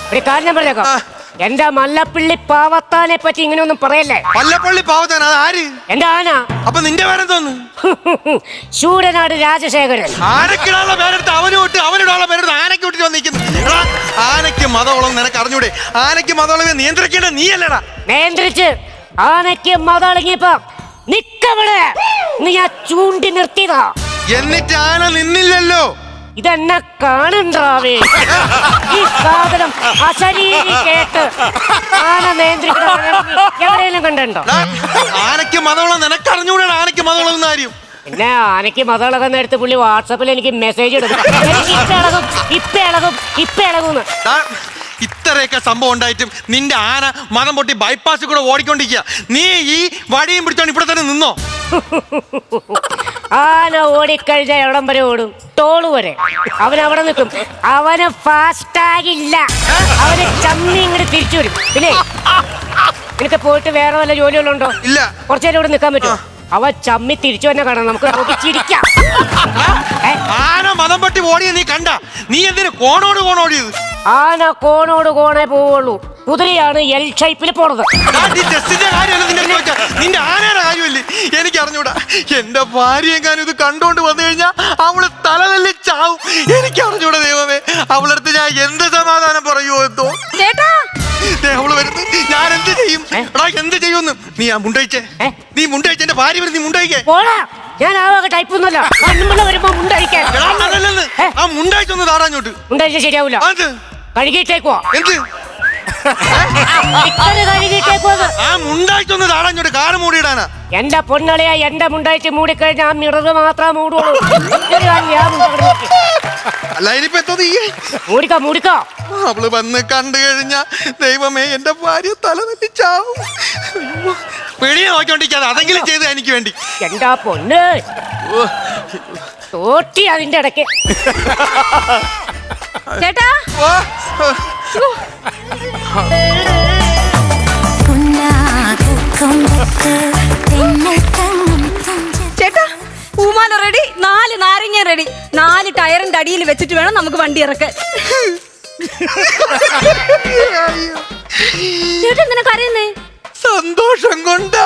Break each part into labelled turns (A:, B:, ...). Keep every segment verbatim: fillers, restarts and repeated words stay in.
A: ഒരു കാര്യം പറഞ്ഞേക്കാം, എന്റെ മല്ലപ്പള്ളി പാവത്താനെ പറ്റി ഇങ്ങനെയൊന്നും പറയല്ലേ.
B: മല്ലപ്പള്ളി പാവത്താൻ അത് ആര്?
A: എന്റെ ആന.
B: അപ്പൊ നിന്റെ പേരെന്തോന്ന്?
A: ശൂരനാട് രാജശേഖരൻ.
B: ആനക്കിടാനുള്ള പേരെടുത്ത് അവന് വിട്ട് അവനിടാനുള്ള പേരെടുത്ത് ആനയ്ക്ക് വിട്ടിട്ട് വന്നിരിക്കുന്നു. ആനയ്ക്ക് മതവളം നിനക്ക് അറിഞ്ഞൂടെ? ആനയ്ക്ക് മതവളവെ നിയന്ത്രിക്കേണ്ട നീ അല്ലടാ.
A: നിയന്ത്രിച്ച് ആനയ്ക്ക് മതളങ്ങിയപ്പോ നിക്കവിടെ നീ ഞാൻ ചൂണ്ടി നിർത്തിയതാ.
B: എന്നിട്ട് ആന നിന്നില്ലല്ലോ.
A: ഇതെന്നെ കാണണ്ടാവേ. ഈ സാധനം അശരീരി കേട്ട് ആന നിയന്ത്രിക്കണ എവിടെയെങ്കിലും കണ്ടോ?
B: ആനയ്ക്ക് മതവളം നിനക്ക് അറിഞ്ഞൂടെ? ആനയ്ക്ക് മതവളം കാര്യം
A: പിന്നെ ആനയ്ക്ക് മതളകുന്ന നേരത്ത് പുള്ളി വാട്സാപ്പിൽ എനിക്ക് മെസ്സേജ് ഇടും, ഇപ്പ ഇളകും ഇപ്പ ഇളകും ഇപ്പ ഇളകുന്ന്.
B: ഇത്രയൊക്കെ സംഭവം ഉണ്ടായിട്ടും നിന്റെ ആന മതം പൊട്ടി ബൈപ്പാസിൽ കൂടെ ഓടിക്കൊണ്ടിരിക്കുക. നീ ഈ വടിയും പിടിച്ചോണ്ട് ഇവിടെ തന്നെ നിന്നോ?
A: ആന ഓടിക്കഴിഞ്ഞ എവിടം വരെ ഓടും? ടോള് വരെ. അവൻ അവിടെ നിൽക്കും. അവന് ഫാസ്റ്റാഗില്ല, അവന് ചമ്മി ഇങ്ങോട്ട് തിരിച്ചു വരും. പിന്നെ എനിക്ക് പോയിട്ട് വേറെ വല്ല ജോലികളുണ്ടോ?
B: ഇല്ല.
A: കുറച്ചു നേരം ഇവിടെ നിൽക്കാൻ പറ്റുമോ? അവ ചമ്മി തിരിച്ചു തന്നെ കാണാം, നമുക്ക് നോക്കി ചിരിക്കാം.
B: ആന മതം പൊട്ടി ഓടിയ നീ കണ്ട? നീ എന്തിനു കോണോട് കോണോടിയത്?
A: ആന കോണോട് കോണേ പോവുള്ളൂ. കുതിരയാണ് എൽ ഷേപ്പിൽ പോണത്.
B: നിന്റെ ആനയുടെ കാര്യമല്ലേ എനിക്ക് അറിഞ്ഞൂടാ. എന്റെ ഭാര്യ എങ്ങാനും ഇത് കണ്ടോണ്ട് വന്നു കഴിഞ്ഞാൽ അവള് തലതല്ലി ചാവും. എനിക്ക് അറിഞ്ഞൂടാ ദൈവമേ, അവളടുത്ത് ഞാൻ എന്ത് സമാധാനം പറയുമോ എന്തോ. അവള് വരുന്നു, ഞാൻ എന്ത് ചെയ്യും? എടാ എന്ത് ചെയ്യുമെന്ന് നീ ആ മുണ്ടയിച്ചേ. നീ മുണ്ടയിച്ച എന്റെ ഭാര്യ വരും, നീ മുണ്ടയിക്കേ.
A: ഞാൻ ആ ടൈപ്പ് ഒന്നുമല്ല. വരുമ്പോ മുണ്ടഴിക്കാൻ
B: ആ മുണ്ടയിച്ചൊന്ന് താടാഞ്ഞോട്ട്.
A: മുണ്ടഴിച്ച ശരിയാവൂല. കഴുകിയിട്ടേക്കോ?
B: എന്ത് ആ മുണ്ടായിട്ടൊന്ന് താടാഞ്ഞോട്ട് കാറ് മൂടിയിടാനാ.
A: എന്റെ പൊന്നളിയാ, എന്റെ മുണ്ടായിച്ച് മൂടിക്കഴിഞ്ഞാൽ ആ മിററ് മാത്രമേ മൂടുള്ളൂ.
B: അല്ല ഇനിയിപ്പോ എന്തോ നീ
A: മൂടിക്കോ മൂടിക്കോ.
B: അവള് വന്ന് കണ്ടു കഴിഞ്ഞ ദൈവമേ എന്റെ ഭാര്യ തല തല്ലി ചാവും. പിടിയെ നോക്കിക്കൊണ്ടിരിക്കാതെ അതെങ്കിലും ചെയ്ത് എനിക്ക് വേണ്ടി.
A: എന്താ പൊന്ന് തോട്ടി അതിന്റെ ഇടയ്ക്ക്. ചേട്ടാ
C: ചേട്ടാ പൂമാല റെഡി, നാല് നാരങ്ങ റെഡി, നാല് ടയറിന്റെ അടിയിൽ വെച്ചിട്ട് വേണം നമുക്ക് വണ്ടി ഇറക്കാൻ. ചേട്ടാ എന്തിനാ കരയുന്നേ?
B: സന്തോഷം കൊണ്ടാ.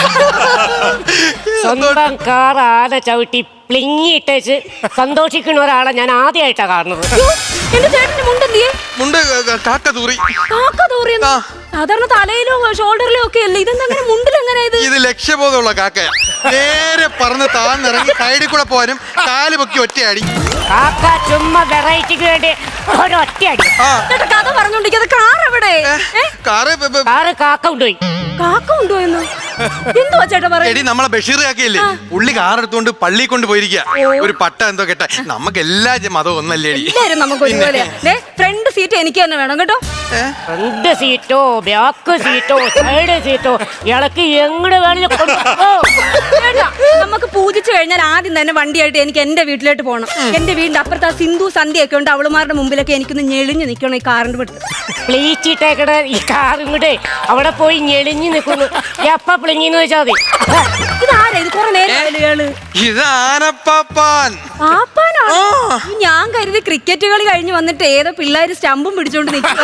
A: സ്വന്തം കാർ ആന ചവിട്ടി പ്ലിങ്ങിട്ടേച്ച് സന്തോഷിക്കുന്ന ഒരാളെ ഞാൻ ആദ്യമായിട്ടാ കാണുന്നത്.
C: എന്റെ ചേട്ടന്റെ മുണ്ടെന്തിയെ?
B: മുണ്ട് കാക്ക തൂറി.
C: കാക്ക തൂറിയെന്ന്? സാധാരണ തലയിലോ ഷോൾഡറിലോ ഒക്കെ അല്ലേ, ഇതെന്താ മുണ്ടിൽ എങ്ങനെ?
B: ഇത് ലക്ഷ്യബോധമുള്ള കാക്കയാ. നേരെ പറന്ന് താന്നിറങ്ങി സൈഡിൽ കൂടെ പോകാനും കാല് പൊക്കി ഒറ്റയടി.
A: കാക്ക ചുമ്മാ വെറൈറ്റിക്ക് വേണ്ടി ഒറ്റയടി.
C: കഥ പറഞ്ഞോണ്ടിരിക്കുന്നത് കാർ എവിടെ?
B: കാറ്
A: കാറ് കാക്ക കൊണ്ടുപോയി.
C: കാക്ക കൊണ്ടുപോയെന്നു? എന്തുവാ ചേട്ടാ പറയുന്നത്?
B: നമ്മളെ ബഷീർ കാക്കയില്ലേ, പുള്ളി കാർ എടുത്തോണ്ട് പള്ളി കൊണ്ട് പോയിരിക്കുക. ഒരു പട്ട എന്തോ കേട്ട. നമുക്ക് എല്ലാ മതവും ഒന്നല്ലേ?
C: എല്ലാരും നമുക്ക് ഒരുപോലെ. ഫ്രണ്ട് സീറ്റ് എനിക്ക് തന്നെ വേണം കേട്ടോ.
A: ഫ്രണ്ട് സീറ്റോ ബാക്ക് സീറ്റോ സൈഡ് സീറ്റോ ഇളക്ക് എങ്ങോട്ട് വേണമെങ്കിലും കൊണ്ടുപോ.
C: നമുക്ക് പൂജിച്ചു കഴിഞ്ഞാൽ ആദ്യം തന്നെ വണ്ടിയായിട്ട് എനിക്ക് എന്റെ വീട്ടിലോട്ട് പോകണം. എന്റെ വീടിന്റെ അപ്പുറത്ത് ആ സിന്ധു സന്ധ്യയൊക്കെ ഉണ്ട്, അവളുമാരുടെ മുമ്പിലൊക്കെ എനിക്കൊന്ന് ഞെളിഞ്ഞ് നിൽക്കണം ഈ കാറിന്റെ വീട്ടിൽ.
A: പ്ലീച്ചിട്ടേക്കട ഈ കാറും കൂടെ അവിടെ പോയി ഞെളിഞ്ഞ് നിൽക്കുന്നു. എപ്പ പ്ലിങ്ങിന്ന് വെച്ചാൽ മതി.
C: ഇതാരാ ഇത്? കുറെ നേരം ഞാൻ കരുതി ക്രിക്കറ്റ് കളി കഴിഞ്ഞ് വന്നിട്ട് ഏതോ പിള്ളേര് സ്റ്റമ്പും പിടിച്ചോണ്ട് നിൽക്കുക.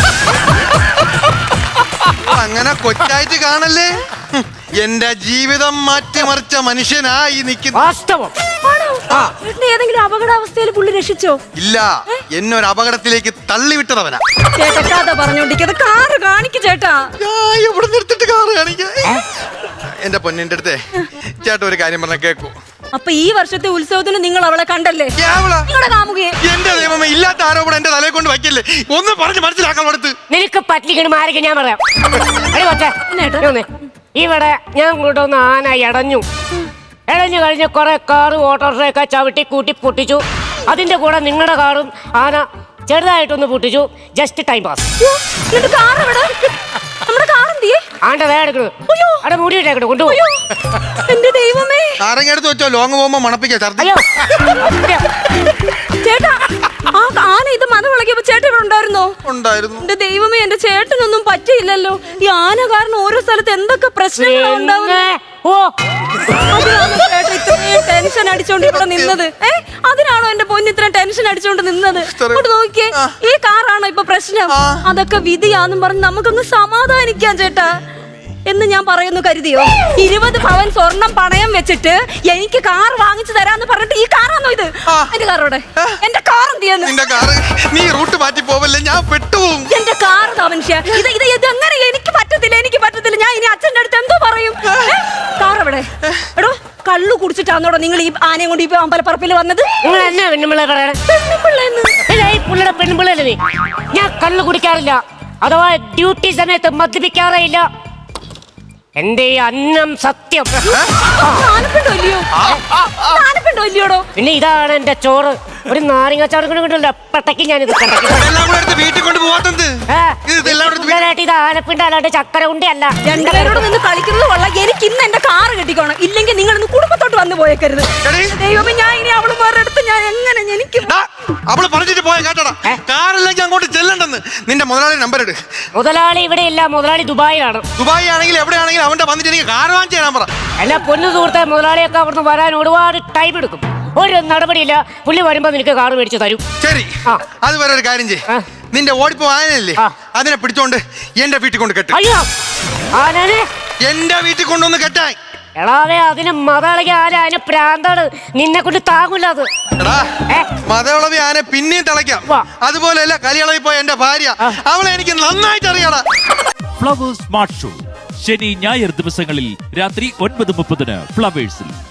B: അങ്ങനെ കൊച്ചായിട്ട് കാണല്ലേ. എന്റെ ജീവിതം മാറ്റിമറിച്ച മനുഷ്യനായി നിൽക്കുന്നു.
A: വാസ്തവം.
C: ഏതെങ്കിലും അപകടാവസ്ഥയിൽ പുള്ളി രക്ഷിച്ചോ?
B: ഇല്ല, എന്നൊരു അപകടത്തിലേക്ക് തള്ളിവിട്ടതവനാ.
C: ചേട്ടാ കഥ പറഞ്ഞോണ്ടിരിക്കുന്നത് കാറ് കാണിക്ക് ചേട്ടാ.
B: ഇവിടെ നിർത്തിട്ട് കാറ് കാണിക്ക. എന്റെ പൊന്നിന്റെ അടുത്തേ ചേട്ടാ ഒരു കാര്യം പറഞ്ഞ കേക്കൂ.
C: അപ്പൊ ഈ വർഷത്തെ ഉത്സവത്തിന് നിങ്ങൾ അവളെ കണ്ടല്ലേ? നിങ്ങളുടെ കാമുകയെ.
B: എന്റെ ദൈവമേ, ഇല്ലാത്ത ആരോപണം എന്റെ തലയെ കൊണ്ട് വയ്ക്കല്ലേ. ഒന്ന് പറഞ്ഞ് മനസ്സിലാക്കാൻ കൊടുത്ത്.
A: നിനക്ക് പറ്റിക്കണം ആരൊക്കെ ഞാൻ പറയാം. ഇവിടെ ഞാൻ കൊണ്ടുവന്ന ആന ഇടഞ്ഞു. ഇടഞ്ഞു കഴിഞ്ഞ് കുറെ കാറ് ഓട്ടോറിക്ഷയൊക്കെ ചവിട്ടി കൂട്ടി പൊട്ടിച്ചു. അതിന്റെ കൂടെ നിങ്ങളുടെ കാറും ആന ചെറുതായിട്ടൊന്ന് പൊട്ടിച്ചു. Just time pass. ആണ്ട വേടെടുക്കണു അവിടെ മൂടിയിട്ടേക്കണു കൊണ്ടുപോയി.
C: എന്റെ ദൈവമേ,
B: ആരെങ്കിലും വെച്ചോ ലോങ് പോകുമ്പോ മണപ്പിക്കാം.
C: ചേട്ടാ ആ ആന ഇത് മത വിളക്കിയപ്പോ ചേട്ടൻ ഇവിടെ ഉണ്ടായിരുന്നോ?
B: ഉണ്ടായിരുന്നു.
C: എന്റെ ദൈവമേ, എന്റെ ചേട്ടനൊന്നും പറ്റിയില്ലല്ലോ. ഈ ആന കാരണം ഓരോ സ്ഥലത്ത് എന്തൊക്കെ പ്രശ്നങ്ങളാ ഉണ്ടാവുന്നത്.
A: ഓ
C: അതിനാണോ ചേട്ടാ ഇത്രയും ടെൻഷൻ അടിച്ചോണ്ട് ഇവിടെ നിന്നത്? ഏ അതിനാണോ എന്റെ പൊന്ന് ഇത്രയും ടെൻഷൻ അടിച്ചോണ്ട് നിന്നത്? ഇങ്ങോട്ട് നോക്കിയേ, ഈ കാറാണോ ഇപ്പൊ പ്രശ്നം? അതൊക്കെ വിധിയാന്നും പറഞ്ഞ് നമുക്കങ്ങ് സമാധാനിക്കാം ചേട്ടാ എന്ന് ഞാൻ പറയുന്നു കരുതിയോ? ഇരുപത് പവൻ സ്വർണം പണയം വെച്ചിട്ട് എനിക്ക് കാർ വാങ്ങിച്ചു തരാന്ന് പറഞ്ഞിട്ട് ഈ കാറാണോ ഇത്? എന്റെ കാറോടെ എന്റെ കാർ എന്ത് ചെയ്യുന്നു?
B: നിന്റെ കാറ് നീ റൂട്ട് മാറ്റി പോവല്ലേ, ഞാൻ പെട്ടുപോകും.
C: എന്റെ കാർ മനുഷ്യ ഇത് ഇത് ഇത് എങ്ങനെ? എനിക്ക് പറ്റത്തില്ല, എനിക്ക് പറ്റത്തില്ല. ഞാൻ ഇനി അച്ഛൻ്റെ അടുത്ത് എന്തോ പറയും? കാർ എവിടെ? എടോ കള്ളു കുടിച്ചിട്ടാന്നോടോ നിങ്ങൾ ഈ ആനയും കൊണ്ട് ഈ അമ്പലപ്പറപ്പിൽ വന്നത്?
A: നിങ്ങൾ എന്നാ പെണ്ണുമ്പിള്ള പറയണേ?
C: പെണ്ണുപിള്ളേന്ന്
A: ഈ പുള്ളിയുടെ പെണ്ണുമ്പിള്ളല്ലേ നീ? ഞാൻ കള്ളു കുടിക്കാറില്ല, അഥവാ ഡ്യൂട്ടി സമയത്ത് മദ്യപിക്കാറേ ഇല്ല. എന്റെ ഈ അന്നം സത്യം.
C: ആനപ്പിണ്ടോ ഇല്ലയോ? ആനപ്പിണ്ടോ ഇല്ലയോടോ?
A: പിന്നെ ഇതാണ് എന്റെ ചോറ്. ഒരു നാരങ്ങ ചോറ് കിട്ടില്ല പട്ടയ്ക്ക് ഞാനിത് കണ്ടു.
B: ഇതെല്ലാം കൂടെ എടുത്ത് വീട്ടിൽ കൊണ്ട് പോവാത്തത്. ഇതെല്ലാം കൂടെ എടുത്ത് വീ-
A: ഇത് ആനപ്പിണ്ട അല്ലാണ്ട് ചക്കര ഉണ്ടി അല്ല.
C: രണ്ടുപേരോട് നിന്ന് കളിക്കുന്നത് കൊള്ളാം. എനിക്ക് ഇന്ന് എന്റെ കാറ് കിട്ടിക്കോണം, ഇല്ലെങ്കിൽ നിങ്ങൾ ഇന്ന് കുടുംബത്തോട്ട് വന്ന് പോയേക്കരുത്.
B: എടീ,
C: ദൈവമേ, ഞാൻ ഇനി അവളുമാരുടെ അടുത്ത് ഞാൻ എങ്ങനെ എനിക്ക്
B: ഡാ, അവള് പറഞ്ഞിട്ട് പോയ കേട്ടടാ, കാറില്ലെങ്കിൽ അങ്ങോട്ട് ചെല്ലണ്ടെന്ന്. നിന്റെ മുതലാളി നമ്പർ എടു.
A: മുതലാളി ഇവിടെ ഇല്ല, മുതലാളി ദുബായിലാണ്.
B: ദുബായി ആണെങ്കിൽ എവിടെയാണെങ്കിലും അവന്റെ വന്നിട്ട് എനിക്ക് കാർ വാങ്ങിച്ചു തരാൻ പറ.
A: എന്നെ പൊന്നു സുഹൃത്തെ, മുതലാളിയൊക്കെ അവിടുന്ന് വരാൻ ഒരുപാട് ടൈം എടുക്കും. ഒരു നടപടിയില്ല, പുള്ളി വരുമ്പോ നിനക്ക് കാറ് മേടിച്ച് തരും.
B: ശരി,
A: ആ.
B: അത് വരെ ഒരു കാര്യം ചെയ്യ്.
A: ആ.
B: നിന്റെ ഓടിപ്പോ ആനല്ലേ,
A: ആ.
B: അതിനെ പിടിച്ചോണ്ട് എന്റെ വീട്ടിൽ കൊണ്ട് കെട്ട്.
A: അയ്യോ ആനനെ
B: എന്റെ വീട്ടിൽ കൊണ്ടൊന്ന് കെട്ടാൻ.
A: എടാവേ, അതിന് മതളകി ആന, അതിന് പ്രാന്താണ്, നിന്നെ കൊണ്ട് താങ്ങൂല അത്.
B: എടാ,
A: ഏ?
B: മതവിളവി ആനെ പിന്നെയും തിളയ്ക്കാം.
A: വാ.
B: അതുപോലെയല്ല കലിയളവി പോയ എന്റെ ഭാര്യ,
A: ആ.
B: അവളെ എനിക്ക് നന്നായിട്ട് അറിയാടാ.
D: ഫ്ലവേഴ്സ് സ്മാർട്ട് ഷോ ശനി ഞായർ ദിവസങ്ങളിൽ രാത്രി ഒൻപത് മുപ്പതിന് ഫ്ലവേഴ്സിൽ.